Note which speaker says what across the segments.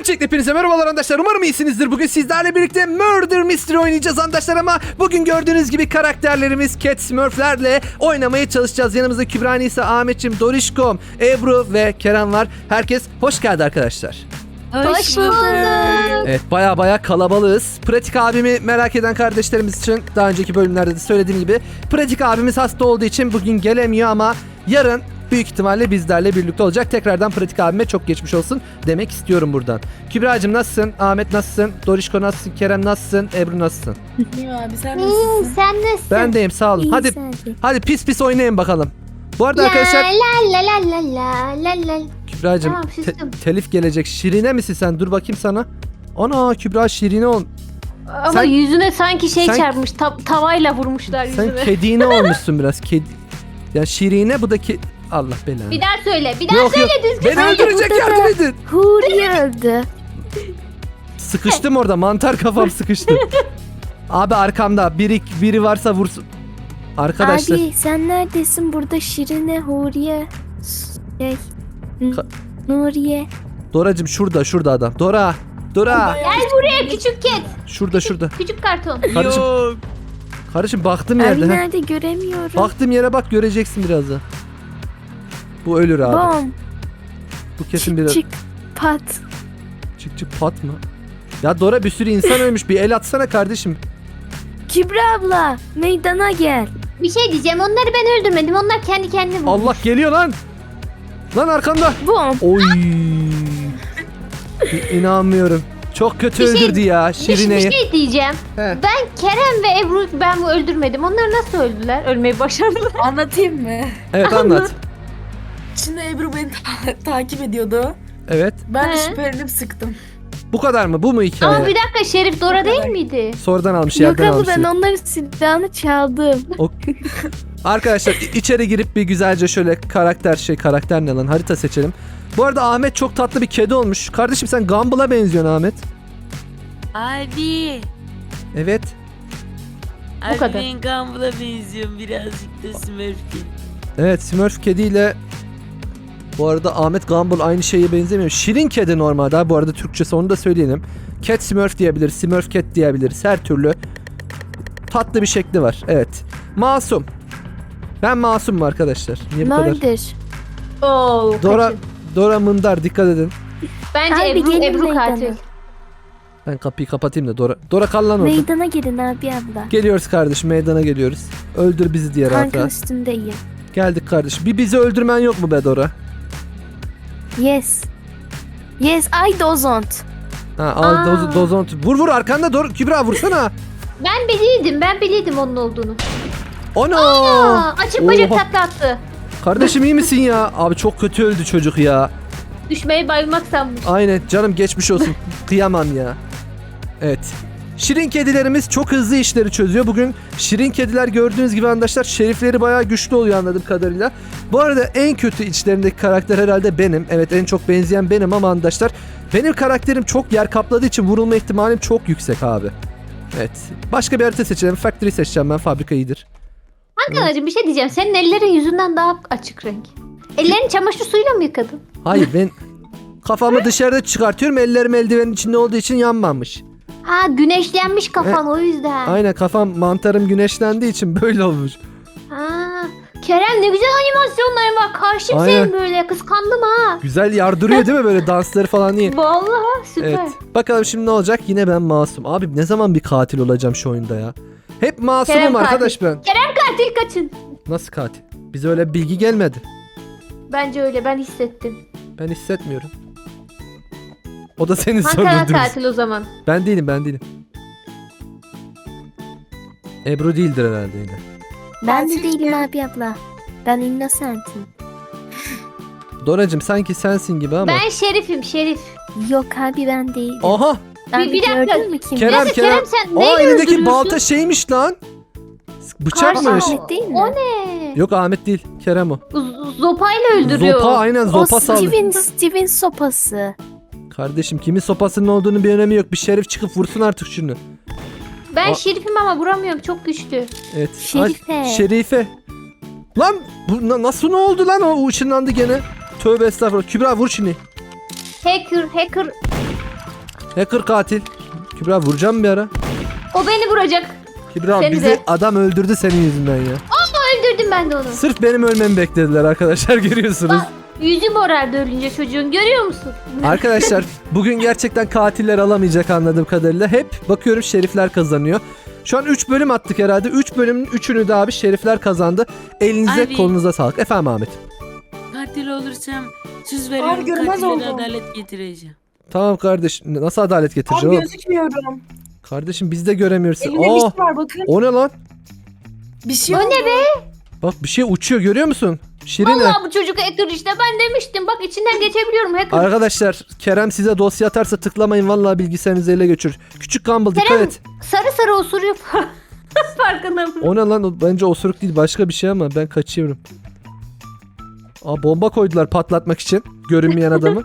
Speaker 1: Öncelikle hepinize merhabalar arkadaşlar. Umarım iyisinizdir. Bugün sizlerle birlikte Murder Mystery oynayacağız arkadaşlar ama bugün gördüğünüz gibi karakterlerimiz Cat Smurf'lerle oynamaya çalışacağız. Yanımızda Kübra, Nisa, Ahmetciğim, Dorişkom, Ebru ve Kerem var. Herkes hoş geldi arkadaşlar.
Speaker 2: Hoş bulduk.
Speaker 1: Evet, baya kalabalığız. Pratik abimi merak eden kardeşlerimiz için daha önceki bölümlerde de söylediğim gibi Pratik abimiz hasta olduğu için bugün gelemiyor ama yarın büyük ihtimalle bizlerle birlikte olacak. Tekrardan Pratik abime çok geçmiş olsun demek istiyorum buradan. Kübra'cığım nasılsın? Ahmet nasılsın? Dorişko nasılsın? Kerem nasılsın? Ebru nasılsın?
Speaker 2: İyiyim abi, sen nasılsın?
Speaker 3: Sen nasılsın?
Speaker 1: Ben deyim, sağ olun. Hadi pis oynayın bakalım. Bu arada arkadaşlar
Speaker 3: la.
Speaker 1: Kübra'cığım
Speaker 3: Tamam, sustum.
Speaker 1: telif gelecek. Şirine misin sen? Dur bakayım sana. Ana Kübra Şirine ol.
Speaker 2: Ama
Speaker 1: Sen-
Speaker 2: yüzüne sanki
Speaker 1: sen-
Speaker 2: çarpmış. Tavayla vurmuşlar
Speaker 1: Sen
Speaker 2: yüzüne.
Speaker 1: kedine olmuşsun biraz. Ya Şirine bu da Allah belanı.
Speaker 2: Bir daha söyle. Bir daha
Speaker 1: Yok
Speaker 2: söyle
Speaker 1: yok.
Speaker 2: düzgün.
Speaker 1: Beni öldürecek, yardım edin.
Speaker 3: Huriye öldü.
Speaker 1: Sıkıştım orada. Mantar kafam sıkıştı. Abi arkamda biri varsa vursun. Arkadaşlar.
Speaker 3: Abi sen neredesin? Burada Şirine, Huriye,
Speaker 1: Ka-
Speaker 3: Nuriye.
Speaker 1: Doracığım şurada adam. Dora.
Speaker 2: Gel buraya küçük ket.
Speaker 1: Şurada.
Speaker 2: Küçük karton.
Speaker 1: Kardeşim baktım
Speaker 3: Abi
Speaker 1: yerde. ha.
Speaker 3: nerede göremiyorum.
Speaker 1: Baktığım yere bak, göreceksin birazdan. Bu ölür abi.
Speaker 3: Bom.
Speaker 1: Bu kesin biraz.
Speaker 3: Çık pat.
Speaker 1: Çık pat mı? Ya Dora, bir sürü insan ölmüş. Bir el atsana kardeşim.
Speaker 3: Kübra abla meydana gel.
Speaker 2: Bir şey diyeceğim. Onları ben öldürmedim. Onlar kendi kendine vurdu.
Speaker 1: Allah geliyor lan. Lan arkanda.
Speaker 3: Bom.
Speaker 1: Oy. İnanmıyorum. Çok kötü
Speaker 2: Bir şey-
Speaker 1: öldürdü ya
Speaker 2: Bir
Speaker 1: Şirine'yi.
Speaker 2: şey diyeceğim.
Speaker 1: He.
Speaker 2: Ben Kerem ve Ebru ben bu öldürmedim. Onlar nasıl öldüler? Ölmeyi başardılar.
Speaker 4: Anlatayım mı?
Speaker 1: Evet, anlat.
Speaker 4: Şimdi Ebru beni takip ediyordu.
Speaker 1: Evet.
Speaker 4: Ben de
Speaker 2: He.
Speaker 4: şüphelenip sıktım.
Speaker 1: Bu kadar mı? Bu mu hikaye?
Speaker 2: Ama bir dakika, Şerif Dora değil miydi?
Speaker 1: Sonradan almış,
Speaker 3: Yok
Speaker 1: yerden
Speaker 3: abla,
Speaker 1: almış.
Speaker 3: ben onların silahını çaldım.
Speaker 1: Arkadaşlar içeri girip bir güzelce şöyle karakter ne lan, harita seçelim. Bu arada Ahmet çok tatlı bir kedi olmuş. Kardeşim sen Gumball'a benziyorsun Ahmet.
Speaker 5: Abi.
Speaker 1: Evet.
Speaker 5: Abi
Speaker 2: kadar.
Speaker 5: ben Gumball'a benziyorum birazcık da Smurf'e.
Speaker 1: Evet, Smurf kediyle bu arada Ahmet Gumball aynı şeye benzemiyor. Şirin kedi normalde abi, bu arada Türkçesi, onu da söyleyelim. Cat Smurf diyebiliriz, Smurf Cat diyebiliriz. Her türlü tatlı bir şekli var. Evet. Masum. Ben masumum arkadaşlar. Niye bu kadar?
Speaker 3: Murder.
Speaker 2: Oo,
Speaker 1: Dora Mındar, dikkat edin.
Speaker 2: Bence
Speaker 3: Abi gelin
Speaker 2: Ebru
Speaker 3: meydana.
Speaker 2: katil.
Speaker 1: Ben kapıyı kapatayım da Dora kal lan orada.
Speaker 3: Meydana gelin abi abla.
Speaker 1: Geliyoruz kardeşim, meydana geliyoruz. Öldür bizi diye rahat
Speaker 3: Tankın
Speaker 1: rahat.
Speaker 3: üstündeyim.
Speaker 1: Geldik kardeşim. Bir bizi öldürmen yok mu be Dora?
Speaker 3: Yes. Yes, I don't.
Speaker 1: Ha, al
Speaker 2: Aa.
Speaker 1: dozon. Vur arkanda Dora. Kübra vursana.
Speaker 2: Ben biliydim onun olduğunu.
Speaker 1: Ono.
Speaker 2: Açık bacak
Speaker 1: Oha.
Speaker 2: takla attı.
Speaker 1: Kardeşim iyi misin ya? Abi çok kötü öldü çocuk ya.
Speaker 2: Düşmeyi bayılmak sanmış.
Speaker 1: Aynen canım, geçmiş olsun. Kıyamam ya. Evet. Şirin kedilerimiz çok hızlı işleri çözüyor. Bugün şirin kediler gördüğünüz gibi arkadaşlar şerifleri bayağı güçlü oluyor anladığım kadarıyla. Bu arada en kötü içlerindeki karakter herhalde benim. Evet, en çok benzeyen benim ama arkadaşlar benim karakterim çok yer kapladığı için vurulma ihtimalim çok yüksek abi. Evet. Başka bir harita seçelim. Factory seçeceğim ben. Fabrika iyidir.
Speaker 2: Hakan'cığım bir şey diyeceğim. Senin ellerin yüzünden daha açık renk. Ellerini çamaşır suyuyla mı yıkadın?
Speaker 1: Hayır, ben kafamı dışarıda çıkartıyorum. Ellerim eldivenin içinde olduğu için yanmamış.
Speaker 2: Ha, güneşlenmiş kafan o yüzden.
Speaker 1: Aynen, kafam mantarım güneşlendiği için böyle olmuş.
Speaker 2: Ha, Kerem ne güzel animasyonların var. Karşım
Speaker 1: Aynen.
Speaker 2: senin böyle. Kıskandım ha.
Speaker 1: Güzel yardırıyor değil mi böyle dansları falan iyi.
Speaker 2: Vallahi süper.
Speaker 1: Evet. Bakalım şimdi ne olacak? Yine ben masum. Abi ne zaman bir katil olacağım şu oyunda ya? Hep masumum
Speaker 2: Kerem
Speaker 1: arkadaş ben.
Speaker 2: Katil kaçın.
Speaker 1: Nasıl katil? Bize öyle bir bilgi gelmedi.
Speaker 2: Bence öyle, ben hissettim.
Speaker 1: Ben hissetmiyorum. O da senin
Speaker 2: Hakan
Speaker 1: sorunun.
Speaker 2: katil o zaman.
Speaker 1: Ben değilim. Ebru değildir herhalde yine.
Speaker 3: Ben de değilim abi abla. Ben innocent'im.
Speaker 1: Doracım sanki sensin gibi ama.
Speaker 2: Ben Şerif.
Speaker 3: Yok abi ben değilim.
Speaker 1: Aha!
Speaker 3: Abi
Speaker 2: bir dakika.
Speaker 3: gördün mü kim?
Speaker 1: Kerem.
Speaker 2: Kerem sen
Speaker 1: Aa,
Speaker 2: neyle
Speaker 1: elindeki
Speaker 2: öldürüyorsun?
Speaker 1: balta şeymiş lan. Bıçakmış.
Speaker 3: Ahmet değil mi?
Speaker 2: O ne?
Speaker 1: Yok Ahmet değil. Kerem o.
Speaker 2: Zopayla öldürüyor.
Speaker 1: Zopa, aynen
Speaker 3: O
Speaker 1: zopa saldı.
Speaker 3: Steven sopası.
Speaker 1: Kardeşim kimin sopasının olduğunu bir önemi yok. Bir şerif çıkıp vursun artık şunu.
Speaker 2: Ben
Speaker 1: O-
Speaker 2: Şerif'im ama vuramıyorum, çok güçlü.
Speaker 1: Evet.
Speaker 3: Şerife.
Speaker 1: Ay, Şerife. Lan bu nasıl ne oldu lan, o ışınlandı gene. Tövbe estağfurullah. Kübra vur şunu.
Speaker 2: Hacker.
Speaker 1: Hacker katil. Kübra vuracağım bir ara.
Speaker 2: O beni vuracak.
Speaker 1: Kübra
Speaker 2: Seni
Speaker 1: bizi
Speaker 2: de.
Speaker 1: adam öldürdü senin yüzünden ya.
Speaker 2: Öldürdüm ben de onu.
Speaker 1: Sırf benim ölmemi beklediler arkadaşlar, görüyorsunuz.
Speaker 2: Yüzü morardı ölünce çocuğun, görüyor musun?
Speaker 1: Arkadaşlar bugün gerçekten katiller alamayacak anladığım kadarıyla. Hep bakıyorum şerifler kazanıyor. Şu an 3 bölüm attık herhalde. 3 bölümün 3'ünü de abi şerifler kazandı. Elinize
Speaker 5: Abi.
Speaker 1: kolunuza sağlık. Efendim Ahmet.
Speaker 5: Katil olursam söz veriyorum
Speaker 4: görmez
Speaker 5: katillere
Speaker 4: oldum.
Speaker 5: adalet getireceğim.
Speaker 1: Tamam kardeş. Nasıl adalet
Speaker 4: Abi
Speaker 1: getireceğim oğlum?
Speaker 4: gözükmüyorum.
Speaker 1: Kardeşim biz de göremiyoruz.
Speaker 4: Elimde bir
Speaker 1: Aa,
Speaker 4: şey var bakın.
Speaker 1: o ne lan?
Speaker 4: Bir şey
Speaker 2: O
Speaker 4: oldu.
Speaker 2: ne be?
Speaker 1: Bak bir şey uçuyor, görüyor musun? Şirine.
Speaker 2: Vallahi bu çocuk hacker işte, ben demiştim. Bak içinden geçebiliyorum hacker.
Speaker 1: Arkadaşlar Kerem size dosya atarsa tıklamayın, vallahi bilgisayarınızı ele geçirir. Küçük Gumball dikkat
Speaker 2: Kerem.
Speaker 1: et.
Speaker 2: Sarı sarı osuruyor. Farkında mı?
Speaker 1: O ne lan? O bence osuruk değil, başka bir şey ama ben kaçıyorum. Aa, bomba koydular patlatmak için görünmeyen adamı.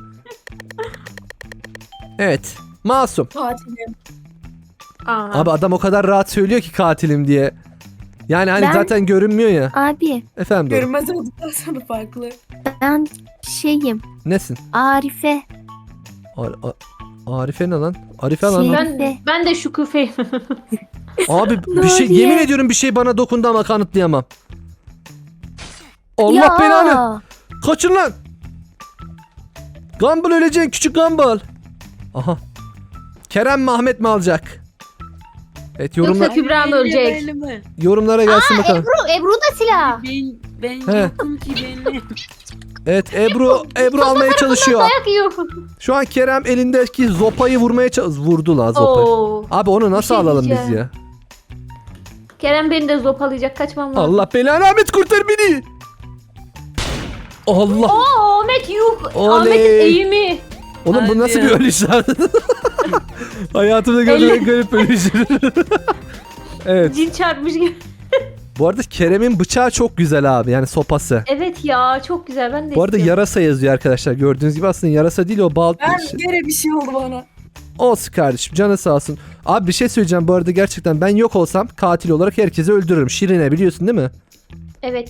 Speaker 1: Evet. Masum.
Speaker 4: Katilim.
Speaker 2: Aa.
Speaker 1: Abi adam o kadar rahat söylüyor ki katilim diye. Yani hani
Speaker 3: Ben-
Speaker 1: zaten görünmüyor ya.
Speaker 3: Abi
Speaker 1: Efendim doğru.
Speaker 4: Görünmez olduktan sonra farklı.
Speaker 3: ben şeyim.
Speaker 1: Nesin?
Speaker 3: Arife.
Speaker 1: Arife ne lan? Arife lan.
Speaker 3: Şey-
Speaker 2: Ben de şu küfeyim.
Speaker 1: Abi bir
Speaker 3: Ne
Speaker 1: şey,
Speaker 3: diye?
Speaker 1: yemin ediyorum bir şey bana dokundu ama kanıtlayamam. Allah
Speaker 3: Ya.
Speaker 1: belanı. Kaçın lan. Gumball öleceksin, küçük Gumball. Aha. Kerem mi Ahmet mi alacak? Evet,
Speaker 2: Yoksa Kübra mı ölecek?
Speaker 5: Belli mi?
Speaker 1: yorumlara gelsin bakalım.
Speaker 2: Ebru da silah.
Speaker 5: Ben
Speaker 1: He.
Speaker 5: yokum ki benim.
Speaker 1: Evet, Ebru almaya çalışıyor.
Speaker 2: Dayak yiyor.
Speaker 1: Şu an Kerem elindeki zopayı vurmaya vurdu la zopayı.
Speaker 2: Oo.
Speaker 1: Abi onu nasıl
Speaker 2: şey
Speaker 1: alalım biz
Speaker 2: diyeceğim.
Speaker 1: ya?
Speaker 2: Kerem beni de zopalayacak, kaçmam lazım.
Speaker 1: Allah belanı, Ahmet kurtar beni. Allah.
Speaker 2: Oo, Ahmet yuh.
Speaker 1: Oley.
Speaker 2: Ahmet'in eğimi.
Speaker 1: Oğlum bu
Speaker 5: Hadi
Speaker 1: nasıl
Speaker 5: ya.
Speaker 1: bir ölüş lan? Hayatımda gördüğüm en garip ölüş. Evet.
Speaker 2: Cin çarpmış gibi.
Speaker 1: Bu arada Kerem'in bıçağı çok güzel abi, yani sopası.
Speaker 2: Evet ya, çok güzel, ben de
Speaker 1: Bu arada
Speaker 2: istiyorum.
Speaker 1: yarasa yazıyor arkadaşlar, gördüğünüz gibi aslında yarasa değil o, bal.
Speaker 4: Ben gene bir şey oldu bana.
Speaker 1: Olsun kardeşim, canı sağ olsun. Abi bir şey söyleyeceğim, bu arada gerçekten ben yok olsam katil olarak herkesi öldürürüm. Şirine biliyorsun değil mi?
Speaker 2: Evet.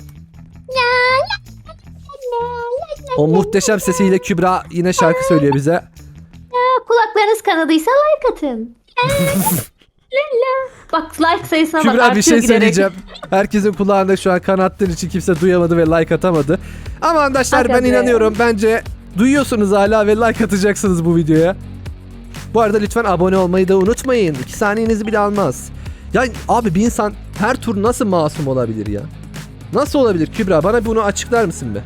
Speaker 1: O muhteşem sesiyle Kübra yine şarkı söylüyor bize.
Speaker 2: Kulaklarınız kanadıysa like atın. Bak like sayısına bak,
Speaker 1: Kübra
Speaker 2: artıyor
Speaker 1: bir şey
Speaker 2: giderek.
Speaker 1: söyleyeceğim. Herkesin kulağında şu an kan attığın için kimse duyamadı ve like atamadı. Ama arkadaşlar
Speaker 2: Aga
Speaker 1: ben
Speaker 2: be.
Speaker 1: inanıyorum. Bence duyuyorsunuz hala ve like atacaksınız bu videoya. Bu arada lütfen abone olmayı da unutmayın. 2 saniyenizi bile almaz. Ya abi bir insan her tur nasıl masum olabilir ya? Nasıl olabilir Kübra? Bana bunu açıklar mısın be?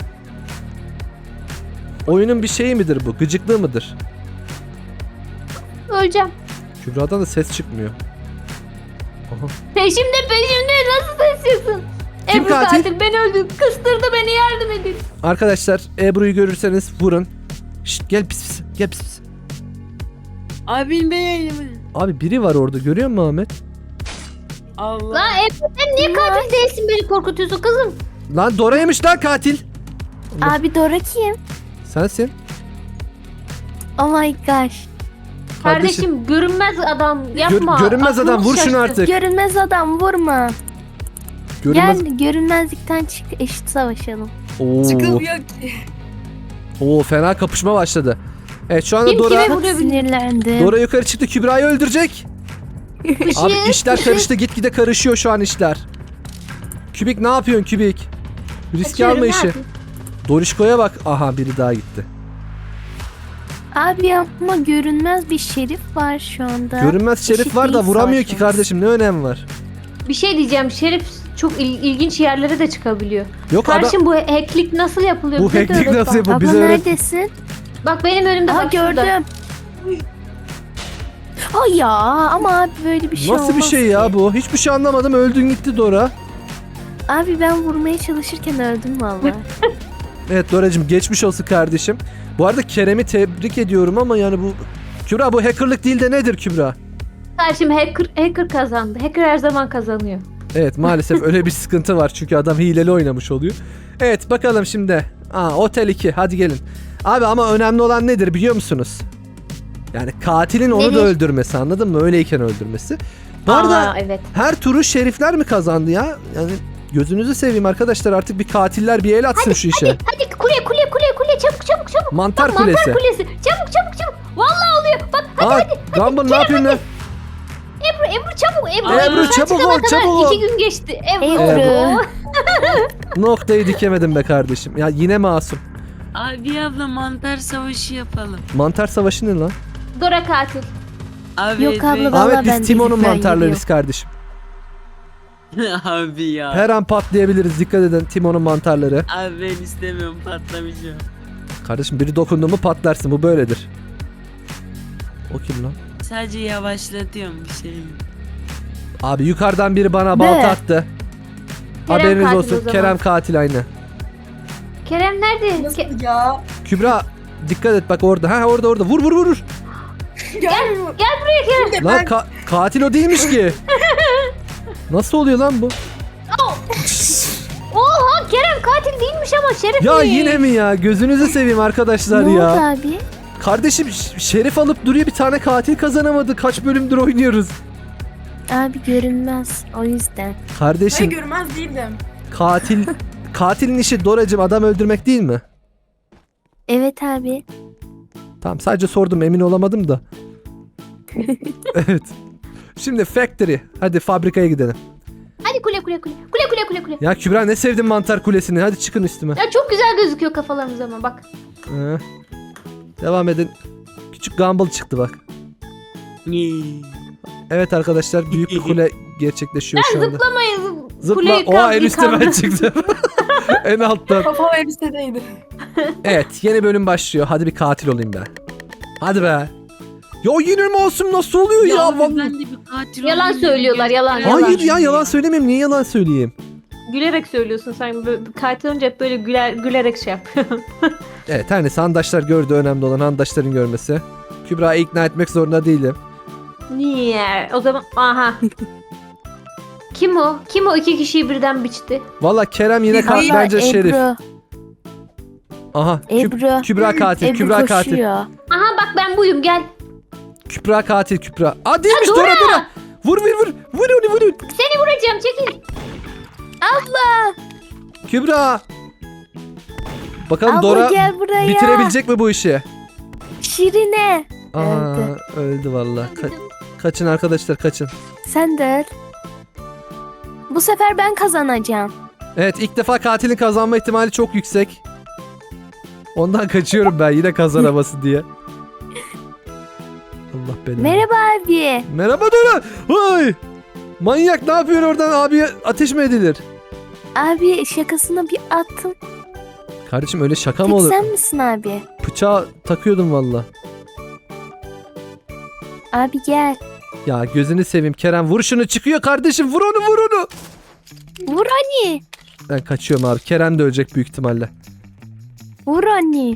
Speaker 1: Oyunun bir şeyi midir bu? Gıcıklığı mıdır?
Speaker 2: Öleceğim.
Speaker 1: Kübra'dan da ses çıkmıyor. Aha.
Speaker 2: Peşimde nasıl taşıyorsun?
Speaker 1: Kim
Speaker 2: Ebru
Speaker 1: katil?
Speaker 2: katil beni öldü. Kıstırdı beni, yardım edin.
Speaker 1: Arkadaşlar Ebru'yu görürseniz vurun. Şşt, gel pis pis. Gel pis pis.
Speaker 5: Abim benim.
Speaker 1: Abi biri var orada, görüyor musun Ahmet?
Speaker 5: Allah.
Speaker 2: Lan Ebru, sen niye katil değilsin, beni korkutuyorsun kızım?
Speaker 1: Lan Dora'ymış lan katil. Allah.
Speaker 3: Abi Dora kim?
Speaker 1: Sensin.
Speaker 3: Oh my gosh.
Speaker 2: Kardeşim görünmez adam yapma.
Speaker 1: Görünmez adam,
Speaker 2: Aklımız
Speaker 1: vur şunu
Speaker 2: şaştı.
Speaker 1: artık.
Speaker 3: Görünmez adam vurma.
Speaker 1: Görünmez.
Speaker 3: Gel görünmezlikten çık, eşit savaşalım.
Speaker 1: Oo.
Speaker 4: Çıkılmıyor ki.
Speaker 1: Oo, fena kapışma başladı. Evet şu anda
Speaker 2: Kim
Speaker 1: Dora
Speaker 2: kime
Speaker 3: Çok
Speaker 2: vuruyor?
Speaker 3: sinirlendim.
Speaker 1: Dora yukarı çıktı, Kübra'yı öldürecek. Abi işler karıştı, gitgide karışıyor şu an işler. Kübik ne yapıyorsun Kübik? Risk
Speaker 2: Kaçıyorum,
Speaker 1: alma
Speaker 2: ne
Speaker 1: işi.
Speaker 2: yapayım?
Speaker 1: Dorişko'ya bak. Aha biri daha gitti.
Speaker 3: Abi ama görünmez bir şerif var şu anda.
Speaker 1: Görünmez şerif
Speaker 3: Eşit
Speaker 1: var da
Speaker 3: değil
Speaker 1: vuramıyor ki
Speaker 3: savaşmamız.
Speaker 1: kardeşim, ne önemi var?
Speaker 2: Bir şey diyeceğim, Şerif çok ilginç yerlere de çıkabiliyor.
Speaker 1: Yok adam,
Speaker 2: Kardeşim bu hacklik nasıl yapılıyor?
Speaker 1: bu
Speaker 2: Bize de
Speaker 1: hacklik
Speaker 2: öğret
Speaker 1: nasıl
Speaker 2: bak.
Speaker 1: yapılıyor?
Speaker 3: Abla
Speaker 1: Bize öğret.
Speaker 3: neredesin?
Speaker 2: Bak benim önümde,
Speaker 3: Aha
Speaker 2: bak şurada.
Speaker 3: gördüm. Ay ya ama abi böyle bir şey
Speaker 1: Nasıl bir
Speaker 3: olmaz
Speaker 1: şey
Speaker 3: ki.
Speaker 1: ya bu? Hiçbir şey anlamadım, öldün gitti Dora.
Speaker 3: Abi ben vurmaya çalışırken öldüm valla.
Speaker 1: Evet Doracığım, geçmiş olsun kardeşim. Bu arada Kerem'i tebrik ediyorum ama yani bu... Kübra bu hackerlık değil de nedir Kübra?
Speaker 2: Kardeşim hacker kazandı. Hacker her zaman kazanıyor.
Speaker 1: Evet maalesef öyle bir sıkıntı var çünkü adam hileli oynamış oluyor. Evet bakalım şimdi. Otel 2 hadi gelin. Abi ama önemli olan nedir biliyor musunuz? Yani katilin onu da
Speaker 2: Nedir?
Speaker 1: öldürmesi, anladın mı? Öyleyken öldürmesi. Bu arada
Speaker 2: Aa, evet.
Speaker 1: her turu şerifler mi kazandı ya? Yani gözünüzü seveyim arkadaşlar, artık bir katiller bir el atsın şu işe.
Speaker 2: Hadi kule çabuk.
Speaker 1: Mantar
Speaker 2: Mantar
Speaker 1: kulesi.
Speaker 2: kulesi. Çabuk. Vallahi oluyor. Bak
Speaker 1: Gumball ne yapıyorsun lan?
Speaker 2: Ebru çabuk.
Speaker 1: Ebru,
Speaker 2: sen
Speaker 1: çabuk
Speaker 2: çıkana
Speaker 1: ol,
Speaker 2: kadar
Speaker 1: çabuk ol.
Speaker 2: 2 gün geçti.
Speaker 3: Ebru.
Speaker 1: Noktayı dikemedim be kardeşim. Ya yine masum.
Speaker 5: Abi abla mantar savaşı yapalım.
Speaker 1: Mantar savaşı ne lan?
Speaker 2: Dora katil.
Speaker 5: Abi
Speaker 3: Yok abla,
Speaker 5: ben-
Speaker 3: Vallahi
Speaker 1: Ahmet
Speaker 3: ben
Speaker 1: biz Timon'un
Speaker 3: değilim, ben
Speaker 1: mantarlarıyız kardeşim.
Speaker 5: Abi ya.
Speaker 1: Her an patlayabiliriz. Dikkat edin Timon'un mantarları.
Speaker 5: Abi ben istemiyorum patlamayacağım.
Speaker 1: Kardeşim biri dokundu mu patlarsın. Bu böyledir. O kim lan?
Speaker 5: Sadece yavaşlatıyorum bir şey.
Speaker 1: Abi yukarıdan biri bana
Speaker 3: Ne?
Speaker 1: balta attı.
Speaker 2: Kerem
Speaker 1: Haberiniz
Speaker 2: katil o
Speaker 1: olsun.
Speaker 2: zaman.
Speaker 1: Kerem katil aynı.
Speaker 2: Kerem nerede?
Speaker 4: Nasıl ya?
Speaker 1: Kübra dikkat et bak orada. Ha orada. Vur vur.
Speaker 4: Gel.
Speaker 2: buraya Kerem.
Speaker 1: Lan katil o değilmiş ki. Nasıl oluyor lan bu?
Speaker 2: Oha Kerem katil değilmiş ama Şerif
Speaker 1: Ya
Speaker 2: değil.
Speaker 1: yine mi ya? Gözünüzü seveyim arkadaşlar
Speaker 3: Ne oldu
Speaker 1: ya.
Speaker 3: abi?
Speaker 1: Kardeşim Şerif alıp duruyor, bir tane katil kazanamadı. Kaç bölümdür oynuyoruz.
Speaker 3: Abi görünmez. O yüzden.
Speaker 4: Ben
Speaker 1: Kardeşim
Speaker 4: görmez değildim.
Speaker 1: katilin işi Doracım adam öldürmek değil mi?
Speaker 3: Evet abi.
Speaker 1: Tamam sadece sordum, emin olamadım da. Evet. Şimdi factory. Hadi fabrikaya gidelim.
Speaker 2: Hadi kule.
Speaker 1: Ya Kübra ne sevdin mantar kulesini. Hadi çıkın üstüme.
Speaker 2: Ya çok güzel gözüküyor kafalarımız ama bak.
Speaker 1: Devam edin. Küçük Gumball çıktı bak. Evet arkadaşlar büyük bir kule gerçekleşiyor şu anda.
Speaker 2: Zıplamayız.
Speaker 1: Zıpla.
Speaker 2: Kule
Speaker 1: Oha en üstte ben
Speaker 2: yıkandı.
Speaker 1: çıktım. En alttan.
Speaker 4: Kafam elbisedeydi.
Speaker 1: Evet yeni bölüm başlıyor. Hadi bir katil olayım ben. Hadi be. Ya yine mi olsun, nasıl oluyor ya?
Speaker 5: abi
Speaker 1: Vallahi.
Speaker 5: ben de bir katil
Speaker 2: Yalan
Speaker 5: olayım
Speaker 2: söylüyorlar,
Speaker 5: dedim.
Speaker 2: yalan.
Speaker 1: Hayır ya yalan söylemeyeyim. Niye yalan söyleyeyim?
Speaker 2: Gülerek söylüyorsun sen. Katil olunca hep böyle gülerek şey yap.
Speaker 1: Evet her neyse handaşlar gördü, önemli olan handaşların görmesi. Kübra'yı ikna etmek zorunda değilim.
Speaker 2: Niye? O zaman aha. Kim o? Kim o 2 kişiyi birden biçti?
Speaker 1: Valla Kerem yine
Speaker 3: Vallahi
Speaker 1: bence Şerif.
Speaker 3: Ebru.
Speaker 1: Aha
Speaker 3: Ebru.
Speaker 1: Kübra katil.
Speaker 3: Ebru
Speaker 1: Kübra katil.
Speaker 3: koşuyor.
Speaker 2: Aha bak ben buyum gel.
Speaker 1: Kübra katil Kübra. Aa değilmiş,
Speaker 2: Ya,
Speaker 1: Dora
Speaker 2: Dora!
Speaker 1: Dora. Vur. Vur.
Speaker 2: Seni vuracağım çekil.
Speaker 1: Kübra. Bakalım
Speaker 3: Abla
Speaker 1: Dora
Speaker 3: gel buraya.
Speaker 1: bitirebilecek mi bu işi?
Speaker 3: Şirine.
Speaker 1: Aa, öldü valla. Kaçın arkadaşlar kaçın.
Speaker 3: Sen de öl. Bu sefer ben kazanacağım.
Speaker 1: Evet ilk defa katilin kazanma ihtimali çok yüksek. Ondan kaçıyorum ben yine kazanaması diye. Allah belanı.
Speaker 3: Merhaba abi.
Speaker 1: Merhaba Dora. Vay. Manyak ne yapıyorsun oradan, abiye ateş mi edilir?
Speaker 3: Abi şakasına bir attım.
Speaker 1: Kardeşim öyle şaka mı
Speaker 3: Tek
Speaker 1: olur?
Speaker 3: sen misin abi?
Speaker 1: Bıçağı takıyordum valla.
Speaker 3: Abi gel.
Speaker 1: Ya gözünü seveyim Kerem, vur şunu, çıkıyor kardeşim, vur onu.
Speaker 3: Vur anne.
Speaker 1: Ben kaçıyorum abi, Kerem de ölecek büyük ihtimalle.
Speaker 3: Vur anne.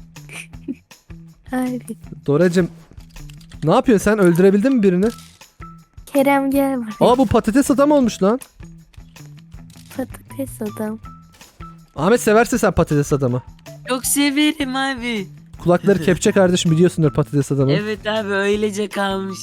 Speaker 3: Abi.
Speaker 1: Doracım ne yapıyorsun sen, öldürebildin mi birini?
Speaker 3: Kerem gel buraya.
Speaker 1: Aa bu patates adam olmuş lan.
Speaker 3: Patates adam.
Speaker 1: Ahmet severse sen patates adamı.
Speaker 5: Çok severim abi.
Speaker 1: Kulakları kepçe kardeşim, biliyorsundur patates adamı.
Speaker 5: Evet abi öylece kalmış.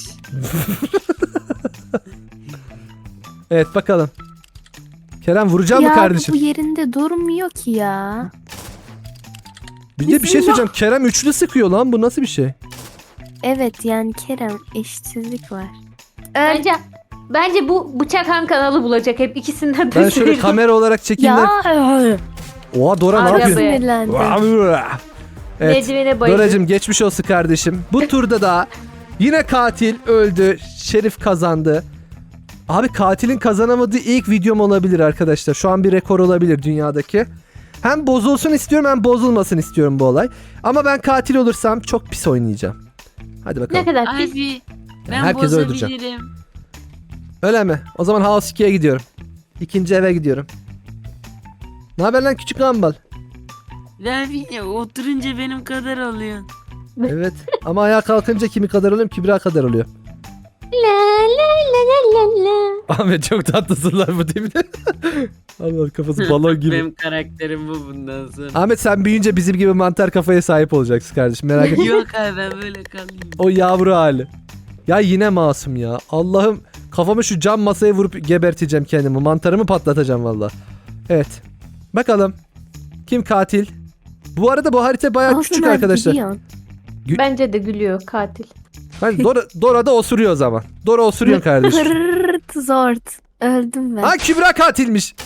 Speaker 1: Evet bakalım. Kerem vuracak mı
Speaker 3: Ya
Speaker 1: kardeşim?
Speaker 3: bu yerinde durmuyor ki ya.
Speaker 1: Bir de bir şey söyleyeceğim. Kerem üçlü sıkıyor lan, bu nasıl bir şey?
Speaker 3: Evet yani Kerem eşitsizlik var. Öl.
Speaker 2: Bence bu bıçak Han kanalı bulacak hep ikisinden de.
Speaker 1: Ben şöyle kamera olarak çekeyim de.
Speaker 3: Ya.
Speaker 1: Oha Dora ne
Speaker 2: Araba.
Speaker 1: yapıyorsun?
Speaker 3: Sinirlendim.
Speaker 1: Evet.
Speaker 2: Merdivene bayıldı.
Speaker 1: Doracım geçmiş olsun kardeşim. Bu turda da yine katil öldü. Şerif kazandı. Abi katilin kazanamadığı ilk videom olabilir arkadaşlar. Şu an bir rekor olabilir dünyadaki. Hem bozulsun istiyorum hem bozulmasın istiyorum bu olay. Ama ben katil olursam çok pis oynayacağım. Hadi bakalım.
Speaker 2: Ne kadar pis.
Speaker 5: Abi ben
Speaker 1: Herkesi öldüreceğim.
Speaker 5: bozabilirim.
Speaker 1: Öyle mi? O zaman House 2'ye gidiyorum. İkinci eve gidiyorum. Ne haber lan küçük Gumball?
Speaker 5: Abi ya, oturunca benim kadar oluyor.
Speaker 1: Evet. Ama ayağa kalkınca kimi kadar oluyorum? Kübra kadar oluyor.
Speaker 2: La la la la la.
Speaker 1: Ahmet çok tatlısınlar bu değil mi? Allah kafası balon gibi.
Speaker 5: Benim karakterim bu bundan sonra.
Speaker 1: Ahmet sen büyüyünce bizim gibi mantar kafaya sahip olacaksın kardeşim, merak etme.
Speaker 5: Yok abi ben böyle kalayım.
Speaker 1: O yavru hali. Ya yine masum ya. Allah'ım kafamı şu cam masaya vurup geberteceğim kendimi. Mantarımı patlatacağım valla. Evet. Bakalım. Kim katil? Bu arada bu harita bayağı
Speaker 3: Olsun
Speaker 1: küçük
Speaker 3: abi,
Speaker 1: arkadaşlar.
Speaker 3: gidiyorsun.
Speaker 2: Bence de gülüyor katil.
Speaker 1: Hani Dora da osuruyor o zaman. Dora osuruyor kardeşim.
Speaker 3: Hırt zort. Öldüm ben.
Speaker 1: Ha Kübra katilmiş.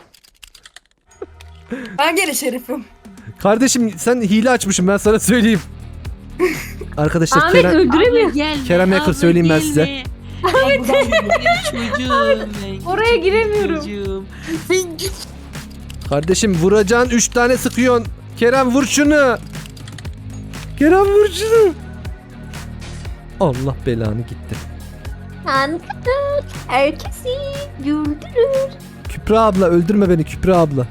Speaker 4: Ben gene şerifim.
Speaker 1: Kardeşim sen hile açmışsın ben sana söyleyeyim. Arkadaşlar
Speaker 2: Ahmet
Speaker 1: Kerem,
Speaker 2: öldüremiyor.
Speaker 5: Gelme,
Speaker 1: Kerem Yakır
Speaker 5: abla
Speaker 1: söyleyeyim ben
Speaker 5: gelme.
Speaker 1: size.
Speaker 4: Ben buradan geliyorum.
Speaker 5: Ben çocuğum ben.
Speaker 2: Oraya
Speaker 5: Küçük
Speaker 2: giremiyorum.
Speaker 5: çocuğum.
Speaker 1: Kardeşim vuracağın 3 tane sıkıyorsun. Kerem vur şunu. Kerem vur şunu. Allah belanı gitti.
Speaker 2: Ankara herkesi güldürür.
Speaker 1: Kübra abla öldürme beni Kübra abla.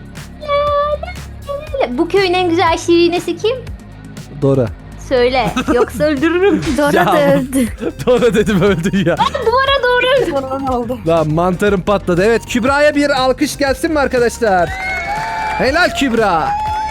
Speaker 2: Bu köyün en güzel şirinesi kim?
Speaker 1: Dora.
Speaker 2: Söyle. Yoksa öldürürüm.
Speaker 3: Dora
Speaker 1: Ya.
Speaker 3: da öldü.
Speaker 1: Dora dedim öldü ya.
Speaker 4: Sonra ne oldu?
Speaker 1: Lan mantarım patladı. Evet Kübra'ya bir alkış gelsin mi arkadaşlar? Helal Kübra.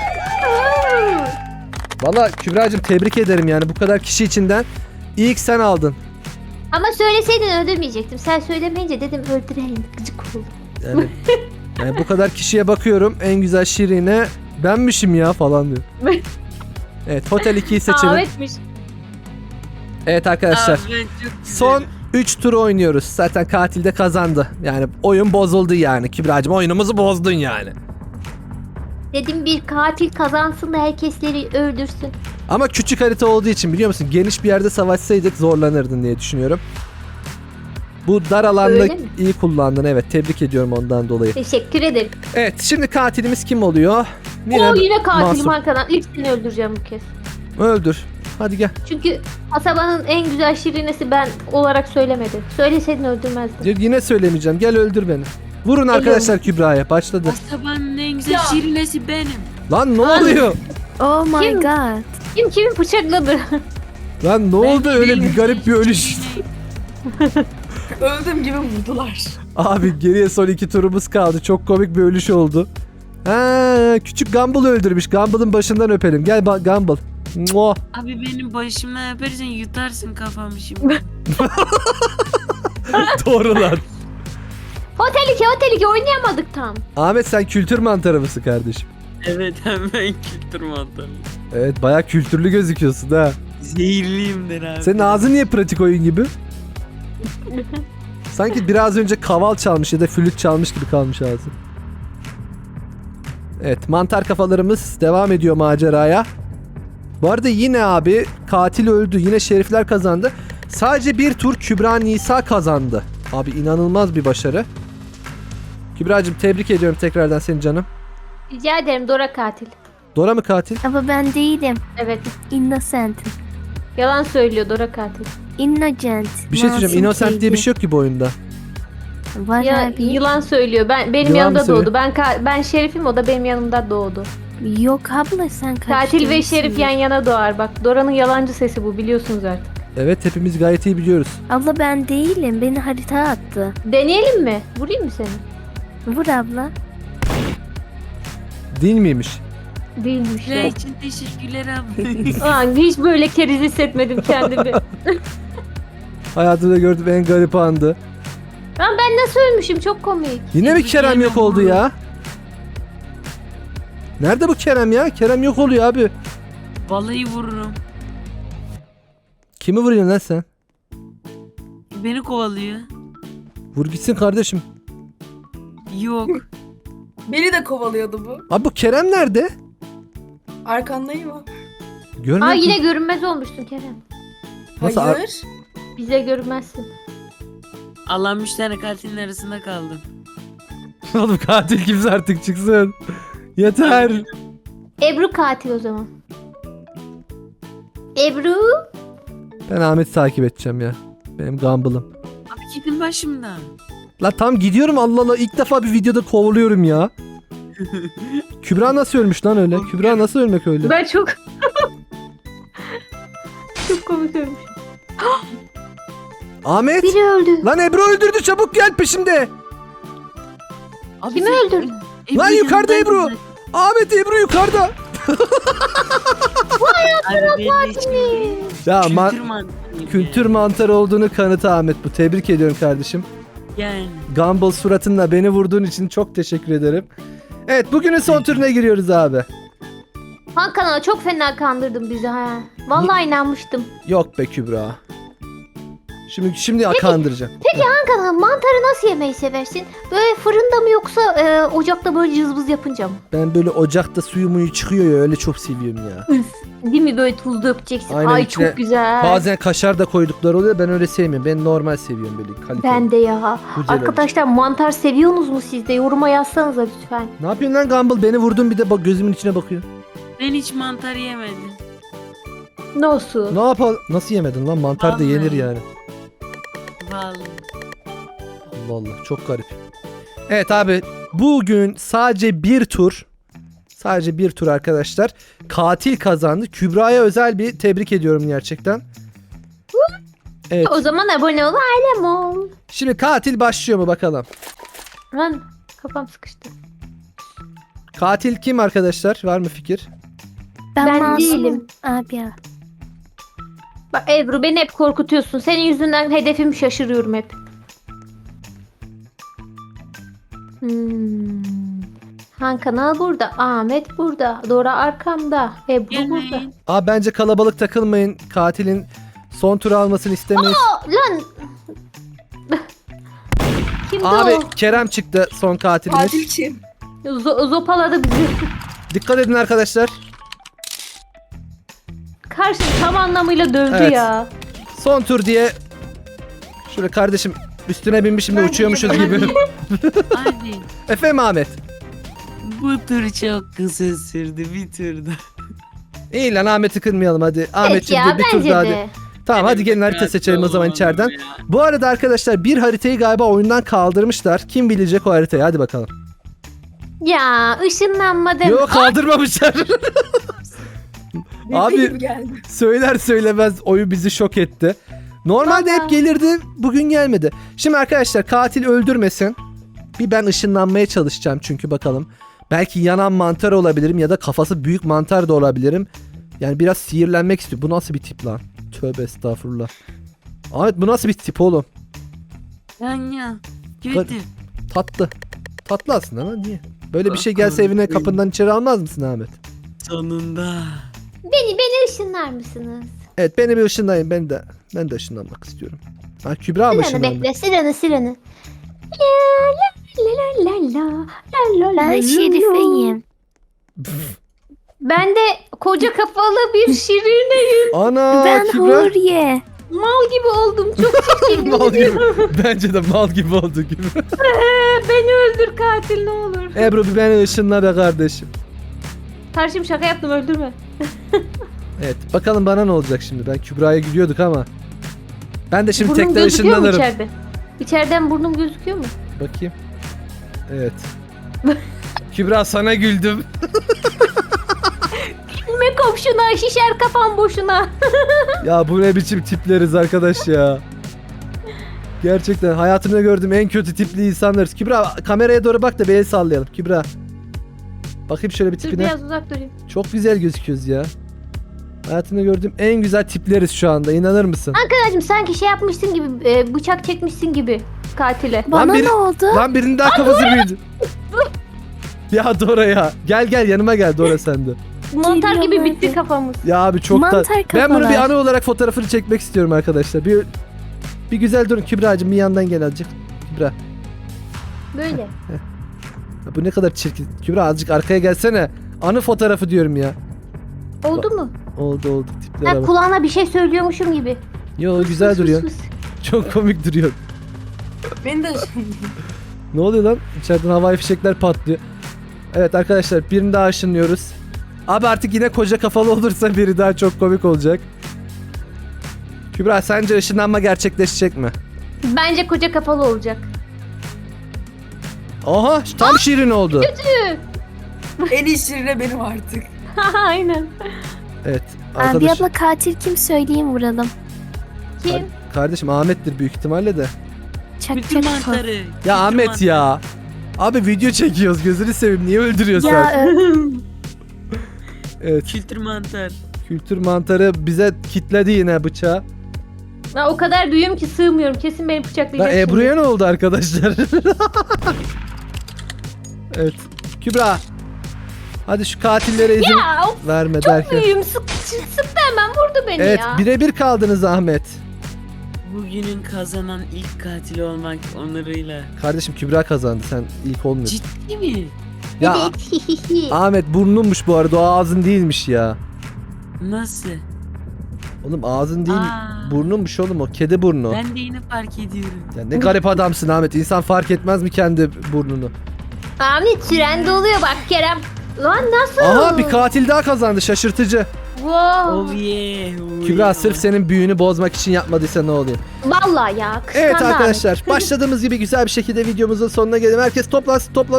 Speaker 1: Valla Kübra'cığım tebrik ederim yani bu kadar kişi içinden ilk sen aldın.
Speaker 2: Ama söyleseydin öldürmeyecektim. Sen söylemeyince dedim öldüreyim. Gıcık oldu.
Speaker 1: Yani bu kadar kişiye bakıyorum en güzel şirine benmişim ya falan diyor. Evet Hotel 2'yi seçelim.
Speaker 2: Ahmetmiş.
Speaker 1: Evet arkadaşlar
Speaker 5: Abi ben çok
Speaker 1: son 3 tur oynuyoruz. Zaten katil de kazandı. Yani oyun bozuldu yani. Kübra'cığım oyunumuzu bozdun yani.
Speaker 2: Dedim bir katil kazansın da herkesleri öldürsün.
Speaker 1: Ama küçük harita olduğu için biliyor musun? Geniş bir yerde savaşsaydık zorlanırdın diye düşünüyorum. Bu dar alanda
Speaker 2: Öyle mi?
Speaker 1: iyi kullandın. Evet tebrik ediyorum ondan dolayı.
Speaker 2: Teşekkür ederim.
Speaker 1: Evet şimdi katilimiz kim oluyor?
Speaker 2: Yine katilim
Speaker 1: Masum.
Speaker 2: arkadan. İlk seni öldüreceğim bu kez.
Speaker 1: Öldür. Hadi gel.
Speaker 2: Çünkü kasabanın en güzel şirinesi ben olarak söylemedi. Söyleseydin öldürmezdim.
Speaker 1: Yine söylemeyeceğim. Gel öldür beni. Vurun arkadaşlar Kübra'ya. Başladı.
Speaker 5: Kasabanın en güzel
Speaker 4: Ya.
Speaker 5: şirinesi benim.
Speaker 1: Lan ne oluyor?
Speaker 3: Oh my
Speaker 2: Kim?
Speaker 3: god.
Speaker 2: Kim kimi bıçakladı?
Speaker 1: Lan ne oldu öyle bir garip bir ölüş.
Speaker 4: Öldüm gibi vurdular.
Speaker 1: Abi geriye son 2 turumuz kaldı. Çok komik bir ölüş oldu. Ha, küçük Gumball öldürmüş. Gumball'ın başından öpelim. Gel Gumball. Muah.
Speaker 5: Abi benim başıma yaparsan yutarsın kafamı şimdi.
Speaker 1: Doğru lan.
Speaker 2: Hotel 2 oynayamadık tam.
Speaker 1: Ahmet sen kültür mantarı mısın kardeşim?
Speaker 5: Evet hemen kültür mantarı.
Speaker 1: Evet bayağı kültürlü gözüküyorsun ha.
Speaker 5: Zehirliyimdir abi.
Speaker 1: Senin ağzın niye pratik oyun gibi? Sanki biraz önce kaval çalmış ya da flüt çalmış gibi kalmış ağzın. Evet mantar kafalarımız devam ediyor maceraya. Bu arada yine abi katil öldü. Yine şerifler kazandı. Sadece bir tur Kübra Nisa kazandı. Abi inanılmaz bir başarı. Kübra'cığım tebrik ediyorum tekrardan seni canım.
Speaker 2: Rica ederim Dora katil.
Speaker 1: Dora mı katil?
Speaker 3: Ama ben değilim.
Speaker 2: Evet.
Speaker 3: Innocent.
Speaker 2: Yalan söylüyor Dora katil.
Speaker 3: Innocent.
Speaker 1: Bir şey söyleyeceğim. Innocent diye bir şey yok ki bu oyunda.
Speaker 3: Var
Speaker 2: Ya
Speaker 3: abi.
Speaker 2: yılan söylüyor. Benim
Speaker 1: Yılan mı
Speaker 2: yanımda
Speaker 1: söylüyor?
Speaker 2: doğdu. Ben şerifim o da benim yanımda doğdu.
Speaker 3: Yok abla sen
Speaker 2: Katil ve
Speaker 3: karıştırmışsın.
Speaker 2: şerif yan yana doğar. Bak Dora'nın yalancı sesi bu biliyorsunuz artık.
Speaker 1: Evet hepimiz gayet iyi biliyoruz.
Speaker 3: Abla ben değilim. Beni harita attı.
Speaker 2: Deneyelim mi? Vurayım mı seni?
Speaker 3: Vur abla.
Speaker 1: Değil miymiş?
Speaker 2: Değilmiş
Speaker 5: Ne
Speaker 2: ya.
Speaker 5: için teşekkürler abi.
Speaker 2: Aa, hiç böyle keriz hissetmedim kendimi.
Speaker 1: Hayatımda gördüğüm en garip andı.
Speaker 2: Lan ben nasıl ölmüşüm çok komik.
Speaker 1: Yine mi
Speaker 5: Tebrik
Speaker 1: Kerem
Speaker 5: ederim
Speaker 1: yok oldu
Speaker 5: oğlum.
Speaker 1: ya? Nerede bu Kerem ya? Kerem yok oluyor abi.
Speaker 5: Vallahi vururum.
Speaker 1: Kimi vuruyorsun lan sen?
Speaker 5: Beni kovalıyor.
Speaker 1: Vur gitsin kardeşim.
Speaker 5: Yok.
Speaker 4: Beni de kovalıyordu bu.
Speaker 1: Abi bu Kerem nerede?
Speaker 4: Arkandayım mı?
Speaker 1: Görmüyor
Speaker 2: Aa
Speaker 1: musun?
Speaker 2: yine görünmez olmuşsun Kerem.
Speaker 1: Nasıl
Speaker 4: Hayır.
Speaker 2: Bize görünmezsin.
Speaker 5: Allah'ım 3 tane katilin arasında kaldım.
Speaker 1: Oğlum katil kimse artık çıksın. Yeter.
Speaker 2: Ebru katil o zaman. Ebru.
Speaker 1: Ben Ahmet'i takip edeceğim ya. Benim Gumball'ım.
Speaker 5: Abi gidin başımdan.
Speaker 1: La tam gidiyorum Allah Allah. İlk defa bir videoda kovalıyorum ya. Kübra nasıl ölmüş lan öyle? Kübra nasıl ölmek öyle?
Speaker 2: Ben çok... çok komik ölmüş.
Speaker 1: Ahmet.
Speaker 2: Biri öldü.
Speaker 1: Lan Ebru öldürdü çabuk gel peşimde.
Speaker 5: Abi
Speaker 2: Kimi
Speaker 5: sen-
Speaker 2: öldürdün?
Speaker 1: Lan yukarıda
Speaker 5: yanındaydın
Speaker 1: Ebru.
Speaker 5: zaten.
Speaker 1: Ahmet Ebru yukarıda.
Speaker 5: Abi benim için
Speaker 1: Ya
Speaker 5: kültür mantığı.
Speaker 1: kültür mantarı olduğunu kanıtı Ahmet bu. Tebrik ediyorum kardeşim.
Speaker 5: Yani.
Speaker 1: Gumball suratınla beni vurduğun için çok teşekkür ederim. Evet bugünün son turuna giriyoruz abi.
Speaker 2: Hakan çok fena kandırdın bizi ha. Vallahi inanmıştım.
Speaker 1: Yok be Kübra. Şimdi kandıracağım.
Speaker 2: Hakan mantarı nasıl yemeyi seversin? Böyle fırında mı yoksa ocakta böyle cızbız yapınca mı?
Speaker 1: Ben böyle ocakta suyu muyu çıkıyor ya, öyle çok seviyorum ya.
Speaker 2: Değil mi, böyle tuz dökeceksin.
Speaker 1: Aynen,
Speaker 2: Ay
Speaker 1: içine
Speaker 2: çok güzel.
Speaker 1: Bazen kaşar da koydukları oluyor, ben öyle sevmiyorum. Ben normal seviyorum, böyle kaliteli.
Speaker 2: Ben de ya.
Speaker 1: Güzel
Speaker 2: Arkadaşlar mantar seviyorsunuz mu siz de? Yoruma yazsanıza lütfen.
Speaker 1: Ne yapıyorsun lan Gumball? Beni vurdun, bir de bak gözümün içine bakıyor.
Speaker 5: Ben hiç mantar yemedim.
Speaker 2: Nasıl?
Speaker 1: Ne yapalım? Nasıl yemedin lan? Mantar da
Speaker 5: Vallahi.
Speaker 1: yenir yani.
Speaker 5: Vallahi.
Speaker 1: Allah Allah, çok garip. Evet abi, bugün sadece bir tur. Sadece bir tur arkadaşlar. Katil kazandı. Kübra'ya özel bir tebrik ediyorum gerçekten. Evet.
Speaker 2: O zaman abone ol, ailem ol.
Speaker 1: Şimdi katil başlıyor mu bakalım.
Speaker 2: Lan kafam sıkıştı.
Speaker 1: Katil kim arkadaşlar? Var mı fikir?
Speaker 2: Ben
Speaker 3: masumum
Speaker 2: değilim.
Speaker 3: Abi ya.
Speaker 2: Bak Ebru, beni hep korkutuyorsun. Senin yüzünden hedefimi şaşırıyorum hep. Han Kanal burada. Ahmet burada. Dora arkamda. Ebru burada.
Speaker 5: Gelmeyin.
Speaker 1: Abi bence kalabalık takılmayın. Katilin son tur almasını istemeyiz.
Speaker 2: Lan. Kimdi
Speaker 1: Abi
Speaker 2: o?
Speaker 1: Kerem çıktı son katilimiz.
Speaker 4: Katil kim?
Speaker 2: Zopaladı bizi.
Speaker 1: Dikkat edin arkadaşlar.
Speaker 2: Karşı tam anlamıyla dövdü
Speaker 1: Evet.
Speaker 2: ya.
Speaker 1: Son tur diye. Şöyle kardeşim üstüne binmişim de
Speaker 4: Ben
Speaker 1: uçuyormuşuz
Speaker 4: de-
Speaker 1: gibi.
Speaker 5: Hadi.
Speaker 1: Efendim Ahmet.
Speaker 5: Bu tur çok kısa sürdü, bir turda.
Speaker 1: İyi lan, Ahmet'i kırmayalım hadi.
Speaker 2: Evet
Speaker 1: Ahmetciğim
Speaker 2: ya,
Speaker 1: bir tur
Speaker 2: bence
Speaker 1: daha hadi.
Speaker 2: de.
Speaker 1: Tamam hadi gelin harita seçelim o zaman içeriden. Bu arada arkadaşlar bir haritayı galiba oyundan kaldırmışlar. Kim bilecek o haritayı, hadi bakalım.
Speaker 2: Ya ışınlanma deme.
Speaker 1: Yok, kaldırmamışlar.
Speaker 4: Abi.
Speaker 1: Abi
Speaker 4: Gibi geldi.
Speaker 1: söyler söylemez oyun bizi şok etti. Normalde
Speaker 2: Vallahi.
Speaker 1: hep gelirdi, bugün gelmedi. Şimdi arkadaşlar katil öldürmesin. Bir ben ışınlanmaya çalışacağım çünkü bakalım. Belki yanan mantar olabilirim ya da kafası büyük mantar da olabilirim. Yani biraz sihirlenmek istiyor. Bu nasıl bir tip lan? Tövbe estağfurullah. Ahmet bu nasıl bir tip oğlum?
Speaker 5: Ya.
Speaker 1: Hadi.
Speaker 5: Kötü.
Speaker 1: Tatlı. Tatlı aslında ama niye? Böyle bir şey gelse evine kapından içeri almaz mısın Ahmet?
Speaker 5: Sonunda.
Speaker 2: Beni ışınlar mısınız?
Speaker 1: Evet, beni bir ışınlayın. Ben de ışınlanmak istiyorum. Ha, Kübra mı
Speaker 2: Sireni
Speaker 1: ışınlandı?
Speaker 2: bekle, sireni. La la la la la la
Speaker 3: Ben
Speaker 2: la
Speaker 3: Şerife'yim.
Speaker 2: Ben de koca kafalı bir şirineyim.
Speaker 1: Ana
Speaker 3: Ben
Speaker 1: Kübra.
Speaker 3: Huriye.
Speaker 2: Mal gibi oldum. Çok çirkin.
Speaker 1: Mal gibi. Bence de mal gibi oldu gibi.
Speaker 2: Beni öldür katil, ne olur.
Speaker 1: Ebru bir beni ışınla be kardeşim.
Speaker 2: Karşım şaka yaptım, öldürme.
Speaker 1: Evet bakalım bana ne olacak şimdi. Ben Kübra'ya gülüyorduk ama. Ben de şimdi
Speaker 2: Burnum
Speaker 1: tekrar
Speaker 2: gözüküyor mu
Speaker 1: ışınlanırım.
Speaker 2: içeride? İçeriden burnum gözüküyor mu?
Speaker 1: Bakayım. Evet. Kübra sana güldüm.
Speaker 2: Gülme komşuna, şişer kafam boşuna.
Speaker 1: Ya bu ne biçim tipleriz arkadaş ya. Gerçekten hayatımda gördüğüm en kötü tipli insanlarız. Kübra kameraya doğru bak da bir el sallayalım. Kübra. Bakayım şöyle bir
Speaker 2: Dur
Speaker 1: tipine.
Speaker 2: biraz uzak durayım.
Speaker 1: Çok güzel gözüküyoruz ya. Hayatımda gördüğüm en güzel tipleriz şu anda. İnanır mısın?
Speaker 2: Arkadaşım sanki şey yapmışsın gibi, bıçak çekmişsin gibi katile.
Speaker 3: Bana
Speaker 1: biri-
Speaker 3: ne oldu?
Speaker 1: Lan birinin daha kafası büyüdü. Ya Dora ya. Gel yanıma gel Dora sen de.
Speaker 2: Mantar gibi
Speaker 3: Geliyorum
Speaker 2: bitti
Speaker 3: hadi.
Speaker 2: kafamız.
Speaker 1: Ya abi çok da...
Speaker 3: Mantar
Speaker 1: Ben bunu bir
Speaker 3: kafalar.
Speaker 1: anı olarak fotoğrafını çekmek istiyorum arkadaşlar. Bir güzel durun. Kübra'cığım bir yandan gel azıcık. Kübra.
Speaker 2: Böyle.
Speaker 1: Ya bu ne kadar çirkin. Kübra azıcık arkaya gelsene. Anı fotoğrafı diyorum ya.
Speaker 2: Oldu mu?
Speaker 1: Oldu. Tiplere
Speaker 2: Ben
Speaker 1: bak.
Speaker 2: kulağına bir şey söylüyormuşum gibi.
Speaker 1: Yo güzel
Speaker 2: Fıs
Speaker 1: duruyor.
Speaker 2: fıs fıs.
Speaker 1: Çok komik duruyor.
Speaker 4: Beni de ışınladı.
Speaker 1: Ne oluyor lan? İçeriden havai fişekler patlıyor. Evet arkadaşlar birini daha ışınlıyoruz. Abi artık yine koca kafalı olursa biri daha çok komik olacak. Kübra sence ışınlanma gerçekleşecek mi?
Speaker 2: Bence koca kafalı olacak.
Speaker 1: Aha tam şirin oldu.
Speaker 4: En iyi şirine benim artık.
Speaker 2: Aynen.
Speaker 1: Evet
Speaker 3: Abi
Speaker 1: arkadaş.
Speaker 3: abla katil kim söyleyeyim vuralım.
Speaker 2: Kim?
Speaker 1: Kardeşim Ahmet'tir büyük ihtimalle de.
Speaker 3: Çak
Speaker 5: Bütün
Speaker 3: çak.
Speaker 5: mantarı.
Speaker 1: Ya
Speaker 5: bütün
Speaker 1: Ahmet
Speaker 5: mantarı.
Speaker 1: ya. Abi video çekiyoruz gözünü seveyim niye öldürüyorsun
Speaker 3: Ya
Speaker 1: sen? Evet
Speaker 5: Kültür mantar.
Speaker 1: kültür mantarı bize kitledi yine bıçağı.
Speaker 2: Ben o kadar büyüğüm ki sığmıyorum. Kesin beni
Speaker 1: Lan
Speaker 2: bıçaklayacak şimdi.
Speaker 1: Ebru'ya ne oldu arkadaşlar? Evet Kübra Hadi şu katillere izin
Speaker 2: Ya of,
Speaker 1: verme
Speaker 2: çok
Speaker 1: derken.
Speaker 2: büyüğüm. Sıktı hemen vurdu beni
Speaker 1: Evet
Speaker 2: ya.
Speaker 1: birebir kaldınız Ahmet.
Speaker 5: Bugünün kazanan ilk katil olmak onuruyla.
Speaker 1: Kardeşim Kübra kazandı, sen ilk olmuyorsun.
Speaker 5: Ciddi mi?
Speaker 1: Ya
Speaker 2: Evet.
Speaker 1: Ahmet burnunmuş bu arada, o ağzın değilmiş ya.
Speaker 5: Nasıl?
Speaker 1: Oğlum ağzın değil,
Speaker 5: Aa.
Speaker 1: burnunmuş oğlum, o kedi burnu.
Speaker 5: Ben de yeni fark ediyorum.
Speaker 1: Ya ne garip adamsın Ahmet, insan fark etmez mi kendi burnunu?
Speaker 2: Ahmet trende oluyor bak Kerem. Lan nasıl?
Speaker 1: Aha bir katil daha kazandı, şaşırtıcı.
Speaker 2: Wow.
Speaker 5: Oh yeah. oh
Speaker 1: Kübra
Speaker 5: yeah.
Speaker 1: sırf senin büyüğünü bozmak için yapmadıysa ne oluyor?
Speaker 2: Vallahi ya. Kıskandı
Speaker 1: Evet
Speaker 2: Ahmet.
Speaker 1: arkadaşlar, başladığımız gibi güzel bir şekilde videomuzun sonuna gelelim. Herkes toplansın, toplan.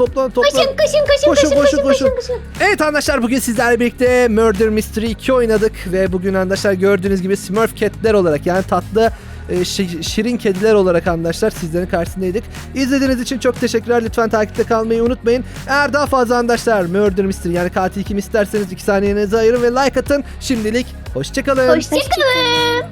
Speaker 1: Koşun. Evet arkadaşlar, bugün sizlerle birlikte Murder Mystery 2 oynadık ve bugün arkadaşlar gördüğünüz gibi Smurf Cat'ler olarak, yani tatlı şirin kediler olarak arkadaşlar sizlerin karşısındaydık. İzlediğiniz için çok teşekkürler. Lütfen takipte kalmayı unutmayın. Eğer daha fazla arkadaşlar Murder Mystery yani katil kim isterseniz 2 saniyenizi ayırın ve like atın. Şimdilik hoşçakalın.
Speaker 2: Hoşçakalın.